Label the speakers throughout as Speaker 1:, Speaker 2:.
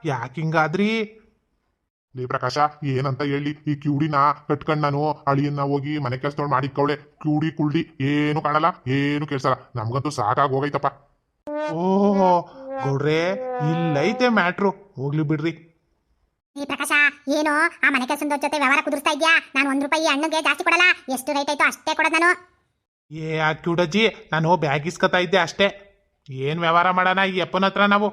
Speaker 1: ಯಾಕೆ ಹಿಂಗಾದ್ರಿ?
Speaker 2: ಲೇ ಪ್ರಕಾಶ, ಏನಂತ ಹೇಳಿ ಈ ಕ್ಯೂಡಿನ ಕಟ್ಕೊಂಡ್ ನಾನು ಅಳಿಯನ್ನ ಹೋಗಿ ಮನೆ ಕೆಲ್ಸದೊಳ್ ಮಾಡಿಕ್ಕವಳೆ. ಕ್ಯೂಡಿ ಕುಳ್ಳಿ ಏನು ಕಾಣಲ್ಲ, ಏನು ಕೇಳ್ಸಲ್ಲ. ನಮ್ಗಂತೂ ಸಾಕಾಗಿ ಹೋಗೈತಪ್ಪ.
Speaker 1: ಓಹೋ ಗೌಡ್ರೆ, ಇಲ್ಲೈತೆ ಮ್ಯಾಟ್ರು. ಹೋಗ್ಲಿ ಬಿಡ್ರಿ.
Speaker 3: ಈ ಪ್ರಕಾಶ, ಏನು ಆ ಮನೆ ಕೆಲಸದ ಜೊತೆ ವ್ಯವಹಾರ ಕುದುರ್ಸ್ತಾ ಇದ್ಯಾ? ನಾನು 1 ರೂಪಾಯಿ ಹಣ್ಣಿಗೆ ಜಾಸ್ತಿ ಕೊಡಲ್ಲ. ಎಷ್ಟು ರೈಟ್ ಆಯ್ತು ಅಷ್ಟೇ ಕೊಡೋದು ನಾನು.
Speaker 1: ಆ ಕ್ಯೂಡಜ್ಜಿ, ನಾನು ಬ್ಯಾಗ್ ಇಸ್ಕೊತಾ ಇದ್ದೆ ಅಷ್ಟೇ. ಏನು ವ್ಯವಹಾರ ಮಾಡೋಣ ಈ ಅಪ್ಪನ ಹತ್ರ ನಾವು?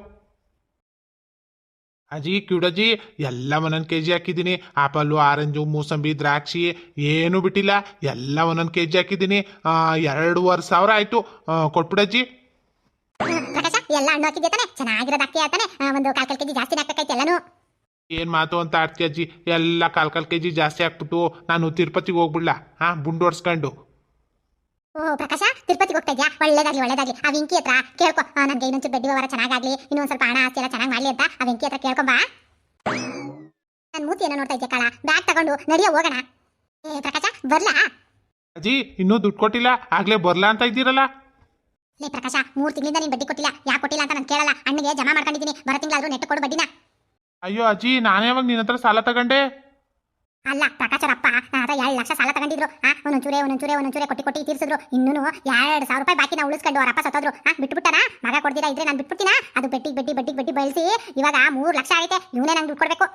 Speaker 1: ಅಜ್ಜಿ ಕ್ಯೂಡಜ್ಜಿ, ಎಲ್ಲ ಒಂದೊಂದು ಕೆಜಿ ಹಾಕಿದ್ದೀನಿ. ಆಪಲ್ಲು, ಆರೆಂಜು, ಮೂಸಂಬಿ, ದ್ರಾಕ್ಷಿ ಏನು ಬಿಟ್ಟಿಲ್ಲ. ಎಲ್ಲ ಒಂದೊಂದು ಕೆಜಿ ಹಾಕಿದ್ದೀನಿ. 2,500 ಆಯ್ತು. ಕೊಟ್ಬಿಡಜ್ಜಿ.
Speaker 3: ಪ್ರಕಾಶ, ಎಲ್ಲ ಹಣ್ಣು ಹಾಕಿದ್ಯಾ ತಾನೆ? ಚೆನ್ನಾಗಿರೋದು ಹಾಕಿ ತಾನೆ? ಒಂದು 1/4 ಕೆಜಿ ಜಾಸ್ತಿ ಹಾಕಬೇಕೈತೆ ಎಲ್ಲಾನು.
Speaker 1: ಏನು ಮಾತು ಅಂತ ಆಡ್ತಿ ಅಜ್ಜಿ? ಎಲ್ಲ 1/4 ಕೆಜಿ ಜಾಸ್ತಿ ಹಾಕ್ಬಿಟ್ಟು ನಾನು ತಿರುಪತಿಗೆ ಹೋಗ್ಬಿಡ್ಲಾ? ಬುಂಡು ಹೊಡ್ಸ್ಕೊಂಡು.
Speaker 3: ಓ ಪ್ರಕಾಶ, ತಿರುಪತಿಗೆ ಹೋಗ್ತಾ ಇದ್ಯಾ? ಒಳ್ಳೇದಾಗ್ಲಿ ಒಳ್ಳೇದಾಗ್ಲಿ. ಆ ವೆಂಕಿ ಹತ್ರ ಕೇಳ್ಕೊ, ನನಗೆ ಇನ್ನೊಂಚೂರು ಬೆಡ್ಡಿ ವ್ಯವಹಾರ ಚೆನ್ನಾಗಾಗ್ಲಿ, ಇನ್ನೊಂದು ಸ್ವಲ್ಪ ಹಣ ಆಸ್ತಿ ಎಲ್ಲ ಚೆನ್ನಾಗಿ ಮಾಡ್ಲಿ ಅಂತ ಆ ವೆಂಕಿ ಹತ್ರ ಕೇಳ್ಕೊಂಬಾ. ನನ್ನ ಮೂತಿ ಏನೋ ನೋಡ್ತಾ ಇದ್ಯಾ ಕಾಳ? ಬ್ಯಾಗ್ ತಗೊಂಡು ನಡಿಯೋ ಹೋಗೋಣ. ಏ ಪ್ರಕಾಶ, ಬರ್ಲಾ?
Speaker 1: ಅಜ್ಜಿ, ಇನ್ನೂ ದುಡ್ಡು ಕೊಟ್ಟಿಲ್ಲ, ಆಗ್ಲೇ ಬರ್ಲಾ ಅಂತ ಇದ್ದೀರಲ್ಲ?
Speaker 3: ಲೇ ಪ್ರಕಾಶ, 3 ತಿಂಗಳಿಂದ ನೀನು ಬಡ್ಡಿ ಕೊಟ್ಟಿಲ್ಲ. ಯಾಕೆ ಕೊಟ್ಟಿಲ್ಲ ಅಂತ ನಾನು ಕೇಳಲ್ಲ. ಹಣ್ಣಿಗೆ ಜಮಾ ಮಾಡ್ಕೊಂಡಿದ್ದೀನಿ. ಬರೋ ತಿಂಗಳಾದ್ರೂ ನೆಟ್ಟು ಕೊಡು ಬಡ್ಡಿನ.
Speaker 1: ಅಯ್ಯೋ ಅಜ್ಜಿ, ನಾನೇ ಯಾವಾಗ ನಿನ್ನ ಹತ್ರ ಸಾಲ ತಗೊಂಡೆ?
Speaker 3: ಅಲ್ಲ ಪ್ರಕಾಶರಪ್ಪ, ನನ್ನ ಹತ್ರ 2 ಲಕ್ಷ ಸಾಲ ತಗೊಂಡಿದ್ರು. ಒಂದೊಂಚೂರೆ ಕೊಟ್ಟಿ ತೀರ್ಸಿದ್ರು. ಇನ್ನೂ 2,000 ರೂಪಾಯಿ ಬಾಕಿ ನಾವು ಉಳಿಸ್ಕೊಂಡು ಅವರಪ್ಪ ಸತ್ತೋದ್ರು. ಬಿಟ್ಬಿಟ್ಟಾನ. ಮಗ ಕೊಡ್ದಿರಾ ಇದ್ರೆ ನಾನು ಬಿಟ್ಬಿಡ್ತೀನ. ಅದು ಬಡ್ಡಿ ಬೆಳೆಸಿ ಇವಾಗ 3 ಲಕ್ಷ ಆಗೈತೆ. ಇವನೇ ನಂಗೆ ದುಡ್ಡು ಕೊಡ್ಬೇಕು.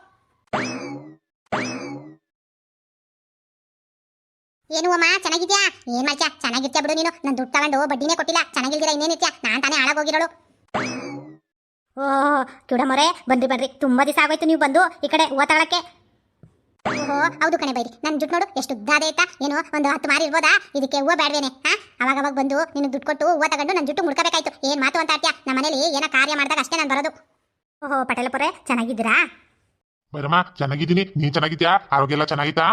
Speaker 3: ಏನು ಅಮ್ಮ, ಚೆನ್ನಾಗಿದ್ಯಾ? ಏನ್ ಮಾಡ್ತೀಯಾ? ಚೆನ್ನಾಗಿರ್ತೀಯ ಬಿಡು ನೀನು. ನಾನು ದುಡ್ಡು ತಗೊಂಡು ಬಡ್ಡಿನೇ ಕೊಟ್ಟಿಲ್ಲ. ಚೆನ್ನಾಗಿಲ್ದಿರ ಇನ್ನೇನಿರ್ತೀಯ? ನಾನು ತಾನೇ ಹಾಳಾಗೋಗಿರೋಳು. ಓಹ್ ಕಿಡಮೊರೆ, ಬನ್ರಿ. ತುಂಬಾ ದಿವಸ ಆಗೋಯ್ತು ನೀವು ಬಂದು ಈ ಕಡೆ ಹೂವು ತಗೊಳಕ್ಕೆ. ಓಹೋ ಹೌದು ಕಣೆ ಬೈರಿ. ನನ್ನ ದುಡ್ಡು ನೋಡು ಎಷ್ಟು ಉದ್ದ ಆದೈತಾ? ಏನು ಒಂದು 10 ಮಾರಿ ಇರ್ಬೋದಾ? ಇದಕ್ಕೆ ಹೂವು ಬೇಡವೇನೆ? ಅವಾಗ ಬಂದು ನಿನಗೆ ದುಡ್ಡು ಕೊಟ್ಟು ಹೂವು ತಗೊಂಡು ನನ್ನ ಜುಟ್ಟು ಮುಡ್ಕೋಬೇಕಾಯ್ತು. ಏನ್ ಮಾತು ಅಂತ ಆಡ್ತೀಯಾ? ನಮ್ಮ ಮನೇಲಿ ಏನೋ ಕಾರ್ಯ ಮಾಡಿದಾಗ ಅಷ್ಟೇ ನಾನು ಬರೋದು. ಓಹೋ ಪಟೇಲಪುರೆ, ಚೆನ್ನಾಗಿದ್ದೀರಾ?
Speaker 2: ಬೈರಮ್ಮ, ಚೆನ್ನಾಗಿದ್ದೀನಿ. ನೀನ್ ಚೆನ್ನಾಗಿದ್ಯಾ? ಆರೋಗ್ಯ ಎಲ್ಲ ಚೆನ್ನಾಗಿತ್ತಾ?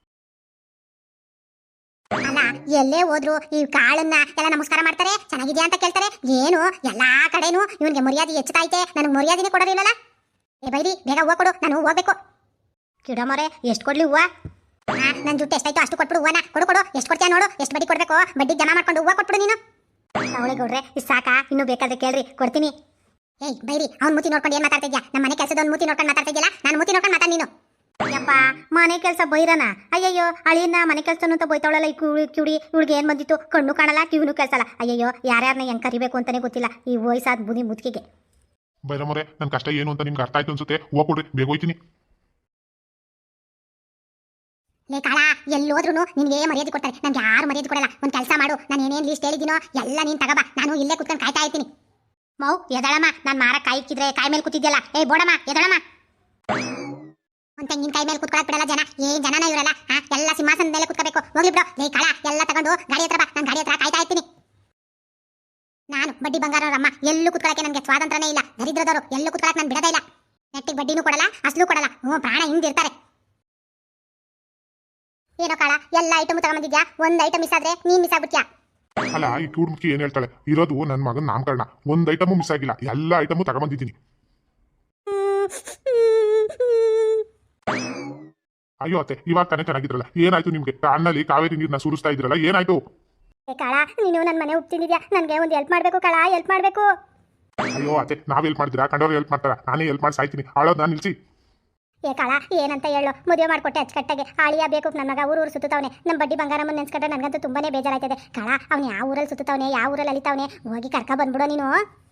Speaker 3: ಅಲ್ಲ, ಎಲ್ಲೇ ಹೋದ್ರು ಈ ಕಾಳನ್ನ ಎಲ್ಲ ನಮಸ್ಕಾರ ಮಾಡ್ತಾರೆ, ಚೆನ್ನಾಗಿದ್ಯಾ ಅಂತ ಕೇಳ್ತಾರೆ. ಏನು ಎಲ್ಲಾ ಕಡೆನೂ ಇವನಿಗೆ ಮರ್ಯಾದೆ ಹೆಚ್ಚುತ್ತೈತೆ, ನನಗೆ ಮರ್ಯಾದೆನೇ ಕೊಡೋದಿಲ್ಲಲ್ಲ. ಏ ಬೈರಿ, ಬೇಗ ಹೂವು ಕೊಡು, ನಾನು ಹೋಗ್ಬೇಕು. ಕಿಡಮರೆ, ಎಷ್ಟು ಕೊಡ್ಲಿ ಹೂವು? ನನ್ನ ದುಡ್ಡು ಎಷ್ಟಾಯ್ತು ಅಷ್ಟು ಕೊಟ್ಬಿಡು ಹೂವನ. ಕೊಡು, ಎಷ್ಟು ಕೊಡ್ತೀಯ ನೋಡು. ಎಷ್ಟು ಬಡ್ಡಿ ಕೊಡ್ಬೇಕು? ಬಡ್ಡಿ ಜಮಾ ಮಾಡ್ಕೊಂಡು ಹೂವು ಕೊಟ್ಬಿಡು ನೀನು. ಅವಳೆ ಗೌಡ್ರೆ, ಇದು ಸಾಕಾ? ಇನ್ನೂ ಬೇಕಾದ್ರೆ ಕೇಳ್ರಿ, ಕೊಡ್ತೀನಿ. ಏಯ್ ಬೈರಿ, ಅವ್ನ ಮೂತಿ ನೋಡ್ಕೊಂಡು ಏನ್ ಮಾತಾಡ್ತಾ ಇದ್ಯಾ? ನಮ್ಮ ಮನೆ ಕೆಲಸದವ್ನ ಮೂತಿ ನೋಡ್ಕೊಂಡು ಮಾತಾಡ್ತಾ ಇದೆಯಲ್ಲ, ನಾನು ಮೂತಿ ನೋಡ್ಕೊಂಡು ಮಾತಾಡ ನೀನು. ಯಪ್ಪ, ಮನೆ ಕೆಲಸ ಬೈರನ? ಅಯ್ಯಯ್ಯೋ, ಅಳಿಯನ್ನ ಮನೆ ಕೆಲಸ ಅಂತ ಬೈತಾವಳಲ್ಲ ಈ ಕಿಡಿ. ಇವಳಿಗೆ ಏನ್ ಬಂದಿತ್ತು? ಕಣ್ಣು ಕಾಣಲ್ಲ, ಕಿವಿನೂ ಕೇಳಿಸಲ್ಲ. ಅಯ್ಯಯ್ಯೋ, ಯಾರ್ಯಾರನ್ನ ಹೆಂಗ್ ಕರಿಬೇಕು ಅಂತಾನೆ ಗೊತ್ತಿಲ್ಲ ಈ ವಯಸ್ಸಾದ ಬುದಿ ಮುದುಕಿಗೆ.
Speaker 2: ಬೈರಮ್ಮರೆ, ನನ್ನ ಕಷ್ಟ ಏನು ಅಂತ ನಿಮ್ಗೆ ಅರ್ಥ ಆಯ್ತು ಅನ್ಸುತ್ತೆ. ಹೂವು ಕೊಡ್ರಿ, ಬೇಗ ಹೋಯ್ತೀನಿ.
Speaker 3: ಲೇ ಕಾಳ, ಎಲ್ಲೋದ್ರೂ ನಿನ್ಗೆ ಮರ್ಯಾದೆ ಕೊಡ್ತಾರೆ, ನನ್ಗೆ ಯಾರು ಮರ್ಯಾದೆ ಕೊಡಲ್ಲ. ಒಂದು ಕೆಲಸ ಮಾಡು, ನಾನು ಏನೇನು ಲೀಸ್ಟ್ ಹೇಳಿದ್ದೀನೋ ಎಲ್ಲ ನೀನು ತಗೋಬಾ. ನಾನು ಇಲ್ಲೇ ಕುತ್ಕೊಂಡು ಕಾಯ್ತಾ ಇರ್ತೀನಿ. ಮೌ ಎದಳಮ್ಮ, ನಾನು ಮಾರ ಕಾಯಿಕ್ಕಿದ್ರೆ ಕಾಯಿ ಮೇಲೆ ಕೂತಿದ್ಯಲ್ಲ. ಏಯ್ ಬೋಡಮ್ಮ, ಎದಳಮ್ಮ. ಒಂದು ತೆಂಗಿನಕಾಯಿ ಮೇಲೆ ಕುತ್ಕೊಳಕ್ ಬಿಡಲ್ಲ ಜನ. ಏನ್ ಜನನ ಇವರಲ್ಲ? ಎಲ್ಲ ಸಿಂಹಾಸನದ ಮೇಲೆ ಕುತ್ಕೋಬೇಕು. ಹೋಗ್ಲಿ ಬಿಡು. ಲೇ ಕಾಳ, ಎಲ್ಲ ತಗೊಂಡು ಗಾಡಿ ಹತ್ರ ಬಾ. ನಾನು ಗಾಡಿ ಹತ್ರ ಕಾಯ್ತಾ ಇರ್ತೀನಿ. ನಾನು ಬಡ್ಡಿ ಬಂಗಾರವ್ರಮ್ಮ, ಎಲ್ಲೂ ಕುತ್ಕೊಳಕ್ಕೆ ನನಗೆ ಸ್ವಾತಂತ್ರ್ಯನೇ ಇಲ್ಲ. ದರಿದ್ರದವರು ಎಲ್ಲೂ ಕುತ್ಕೊಳಕ್ಕೆ ನಾನು ಬಿಡೋದೇ ಇಲ್ಲ. ನೆಟ್ಟಿಗೆ ಬಡ್ಡಿನೂ ಕೊಡಲ್ಲ, ಅಸಲು ಕೊಡಲ್ಲ. ಪ್ರಾಣ ಹಿಂದಿರ್ತಾರೆ. ಏನೋ ಕಾಳ, ಎಲ್ಲ ಐಟಮ್ ತಗೊಂಬಂದಿದ್ಯಾ, ಒಂದು ಐಟಮ್ ಮಿಸ್ ಆದ್ರೆ ನೀನ್ ಮಿಸ್ ಆಗ್ಬಿಟ್ಯಾ?
Speaker 2: ಅಲ್ಲ, ಈ ಕ್ಯೂಡ್ ಮುಖಿ ಏನ್ ಹೇಳ್ತಾಳೆ? ಇರೋದು ನನ್ನ ಮಗನ ನಾಮಕರಣ. ಒಂದ್ ಐಟಮು ಮಿಸ್ ಆಗಿಲ್ಲ, ಎಲ್ಲ ಐಟಮು ತಗೊಂಬಂದಿದ್ದೀನಿ. ಅಯ್ಯೋ ಅತ್ತೆ, ಇವಾಗ ತಾನೇ ಚೆನ್ನಾಗಿದ್ರಲ್ಲ, ಏನಾಯ್ತು ನಿಮ್ಗೆ? ಅಣ್ಣಲ್ಲಿ ಕಾವೇರಿ ನೀರ್ನ ಸುರಿಸ್ತಾ ಇದ್ರಲ್ಲ, ಏನಾಯ್ತು?
Speaker 3: ಕಾಳ, ನೀನು ನನ್ನ ಮನೆ ಉಪ್ತಿದ್ಯಾ, ನನಗೆ ಒಂದು ಹೆಲ್ಪ್ ಮಾಡ್ಬೇಕು ಕಾಳ, ಹೆಲ್ಪ್ ಮಾಡ್ಬೇಕು.
Speaker 2: ಅಯ್ಯೋ ಅತ್ತೆ, ನಾವ್ ಹೆಲ್ಪ್ ಮಾಡಿದ್ರಾ? ಕಂಡವ್ರು ಹೆಲ್ಪ್ ಮಾಡ್ತಾರ? ನಾನೇ ಹೆಲ್ಪ್ ಮಾಡಿ ಸಾಯ್ತೀನಿ. ಆಳೋದ್ ನಾನು ನಿಲ್ಸಿ.
Speaker 3: ಏ ಕಾಳ, ಏನಂತ ಹೇಳು? ಮದುವೆ ಮಾಡ್ಕೊಟ್ಟೆ ಅಚ್ಚುಕಟ್ಟಾಗೆ. ಆಳಿಯ ಬೇಕು ನನ್ನ ಮಗ ಊರು ಸುತ್ತವನೆ. ನಮ್ಮ ಬಡ್ಡಿ ಬಂಗಾರಮ್ಮನ ನೆನ್ಸ್ಕೊಂಡ್ರೆ ನನಗಂತೂ ತುಂಬಾನೇ ಬೇಜಾರಾಯ್ತದೆ. ಕಾಳ, ಅವ್ನು ಯಾವ ಊರಲ್ಲಿ ಸುತ್ತವನೆ, ಯಾವ ಊರಲ್ಲಿ ಅಲಿತಾವನೆ, ಹೋಗಿ ಕರ್ಕ ಬಂದ್ಬಿಡೋ ನೀನು.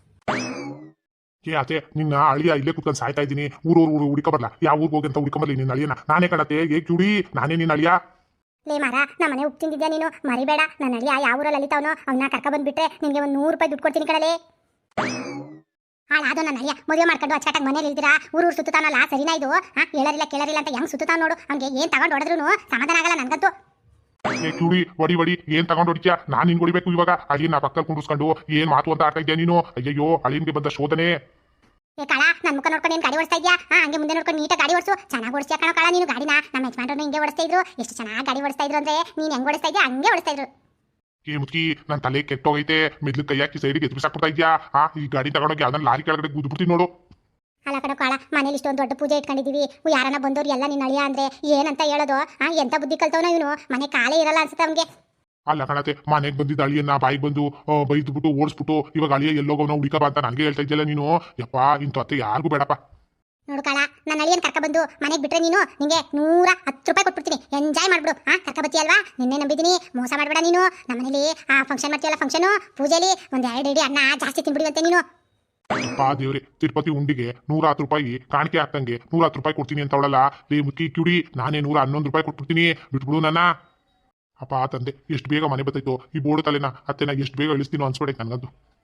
Speaker 2: ಏ ಅತ್ತೆ, ನಿನ್ನ ಅಳಿಯ ಇಲ್ಲೇ ಕುತ್ಕೊಂಡು ಸಾಯ್ತಾ ಇದ್ದೀನಿ. ಊರು ಹುಡುಕ ಬರ್ಲಾ? ಯಾವ ಊರಿಗೆ ಹೋಗಿ ಅಂತ ಹುಡುಕೊಂಬರ್ಲಿ ನಿನ್ನ ಅಳಿಯನ? ನಾನೇ ಕಡತೆ, ಏ ಕ್ಯೂಡಿ, ನಾನೇ ನಿನ್ನ ಅಳಿಯ.
Speaker 3: ಲೇ ಮಾರ, ನಮ್ಮ ಮನೆ ಉಪ್ತಿದ್ಯಾ ನೀನು? ಮರಿಬೇಡ. ನನ್ನ ಅಳಿಯ ಯಾವ ಊರಲ್ಲಿ ಅಲಿತಾವನೋ ಅವನ್ನ ಕರ್ಕ ಬಂದ್ಬಿಟ್ರೆ ನಿನ್ಗೆ ಒಂದು 100 ರೂಪಾಯಿ ದುಡ್ಡು ಕೊಡ್ತೀನಿ ಕಡಲೆ. ಹಾಳಾದೋ ನನ್ನ ಅಳಿಯ ಮದುವೆ ಮಾಡ್ಕೊಂಡು ಅಚ್ಚಕಟ್ಟಾಗಿ ಮನೇಲಿ ಇಲ್ದಿರಾ ಊರು ಸುತ್ತಾನಲ್ಲ, ಸರಿನಾ ಇದು? ಹೇಳರಿಲ್ಲ ಕೇಳರಿಲ್ಲ ಅಂತ ಹೆಂಗ್ ಸುತ್ತಾನ ನೋಡು. ಅವ್ನಿಗೆ ಏನ್ ತಗೊಂಡು ಹೊಡೆದ್ರು ಸಮಾಧಾನ ಆಗಲ್ಲ ನನ್ಗಂತೂ.
Speaker 2: ಏ ಕ್ಯೂಡಿ, ಹೊಡಿ, ಏನ್ ತಗೊಂಡು ಹೊಡಿತ್ಯಾ? ನಾನ್ ನಿನ್ ಹೊಡಿಬೇಕು ಇವಾಗ? ಅಳಿಯನ್ನ ಪಕ್ಕದಲ್ಲಿ ಕುಂಡಿಸ್ಕೊಂಡು ಏನ್ ಮಾತು ಅಂತ ಆಡ್ತಾ ಇದ್ಯಾ ನೀನು? ಅಯ್ಯಯ್ಯೋ, ಅಳಿಯನ್ಗೆ ಬಂದ ಶೋಧನೆ.
Speaker 3: ಏ ಕಾಳ, ನನ್ನ ಮುಖ ನೋಡ್ಕೊಂಡು ಏನ್ ಗಾಡಿ ಓಡಿಸ್ತಾ ಇದ್ಯಾ? ಹಂಗೆ ಮುಂದೆ ನೋಡ್ಕೊಂಡು ನೀಟಾಗಿ ಗಾಡಿ ಓಡಿಸು. ಚೆನ್ನಾಗಿ ಓಡಿಸ್ತೀಯ ಕಣೋ ಕಾಳ ನೀನು ಗಾಡಿನ. ನಮ್ಮ ಯಜಮಾನ್ರು ಹಿಂಗೆ ಓಡಿಸ್ತಾ ಇದ್ರು. ಎಷ್ಟು ಚೆನ್ನಾಗಿ ಗಾಡಿ ಓಡಿಸ್ತಾ ಇದ್ರು ಅಂದ್ರೆ ನೀನ್ ಹೆಂಗ್ ಓಡಿಸ್ತಾ ಇದ್ಯಾ ಹಂಗೆ ಓಡಿಸ್ತಾ ಇದ್ರು.
Speaker 2: ಏ ಮುದುಕಿ, ನನ್ನ ತಲೆ ಕೆಟ್ಟೋಗೈತೆ. ಮೆದ್ಲು ಕೈ ಹಾಕಿ ಸೈಡಿಗೆ ಎದುರಿಸಾಕ್ಬಿಡ್ತಾ ಇದ್ಯಾ? ಈ ಗಾಡಿ ತಗೊಂಡೋಗಿ ಅದನ್ನ ಲಾರಿ ಕೆಳಗಡೆ ಗುದ್ಬಿಡ್ತೀನಿ ನೋಡು.
Speaker 3: ಅಲ್ಲ ಕಣೋ ಕಾಳ, ಮನೇಲಿ ಇಷ್ಟೊಂದು ದೊಡ್ಡ ಪೂಜೆ ಇಟ್ಕೊಂಡಿದೀವಿ. ಯಾರನ್ನ ಬಂದವ್ರು ಎಲ್ಲ ನಿನ್ನ ಅಳಿಯ ಅಂದ್ರೆ ಏನಂತ ಹೇಳೋದು? ಎಂತ ಬುದ್ಧಿ ಕಲ್ತವನ ಇವನು? ಮನೆ ಕಾಲೇ ಇರಲ್ಲ ಅನ್ಸುತ್ತೆ ಅವ್ನಿಗೆ.
Speaker 2: ಅಲ್ಲ ಕಣತೆ, ಮನೆಗೆ ಬಂದಿದ್ದ ಅಳಿಯನ್ನ ಬಾಯಿಗೆ ಬಂದು ಬೈದ್ಬಿಟ್ಟು ಓಡಿಸ್ಬಿಟ್ಟು ಇವಾಗ ಅಳಿಯ ಎಲ್ಲೋಗವನ ಹುಡುಕ ಬಾ ಅಂತ ನನಗೆ ಹೇಳ್ತಾ ಇದ್ಯಲ್ಲ ನೀನು. ಯಪ್ಪ, ಇಂಥ ಅತ್ತೆ ಯಾರಿಗೂ ಬೇಡಪ್ಪ.
Speaker 3: ನನ್ನ ಅಳಿಯನ್ ಕರ್ಕ ಬಂದು ಮನೆಗೆ ಬಿಟ್ರೆ ನೀನು ನಿಂಗೆ 110 ರೂಪಾಯಿ ಕೊಟ್ಬಿಡ್ತೀನಿ, ಎಂಜಾಯ್ ಮಾಡ್ಬಿಡು. ಕರ್ಕ ಬತ್ತೀಯಲ್ವಾ, ನಿನ್ನೆ ನಂಬಿದ್ದೀನಿ, ಮೋಸ ಮಾಡ್ಬೇಡ ನೀನು. ನಮ್ಮನೇಲಿ ಫಂಕ್ಷನ್ ಮಾಡ್ತೀಯಲ್ಲ, ಫಂಕ್ಷನು ಪೂಜೆಲಿ ಒಂದ್ 2 ಇಡಿ ಅನ್ನ ಜಾಸ್ತಿ ತಿನ್ಬಿಡುವಂತೆ ನೀನು.
Speaker 2: ಪಾ ದೇವ್ರೆ, ತಿರುಪತಿ ಉಂಡಿಗೆ 110 ರೂಪಾಯಿ ಕಾಣಿಕೆ ಹಾಕಂಗೆ 110 ರೂಪಾಯಿ ಕೊಡ್ತೀನಿ ಅಂತ ಅವಳಲ್ಲ. ಲೇ ಮುಕ್ಕಿ ಕಿಡಿ, ನಾನೇ 111 ರೂಪಾಯಿ ಕೊಟ್ಬಿಡ್ತೀನಿ, ಬಿಟ್ಬಿಡು ನನ್ನ. ಅಪ್ಪ ತಂದೆ, ಎಷ್ಟು ಬೇಗ ಮನೆ ಬತ್ತೈತೋ ಈ ಬೋರ್ಡು ತಲೆನ ಅತ್ತೆನ ಎಷ್ಟು ಬೇಗ ಇಳಿಸ್ತೀನೋ ಅನ್ಸ್ಬಿಡೈತೆ ನನಗಂತೂ.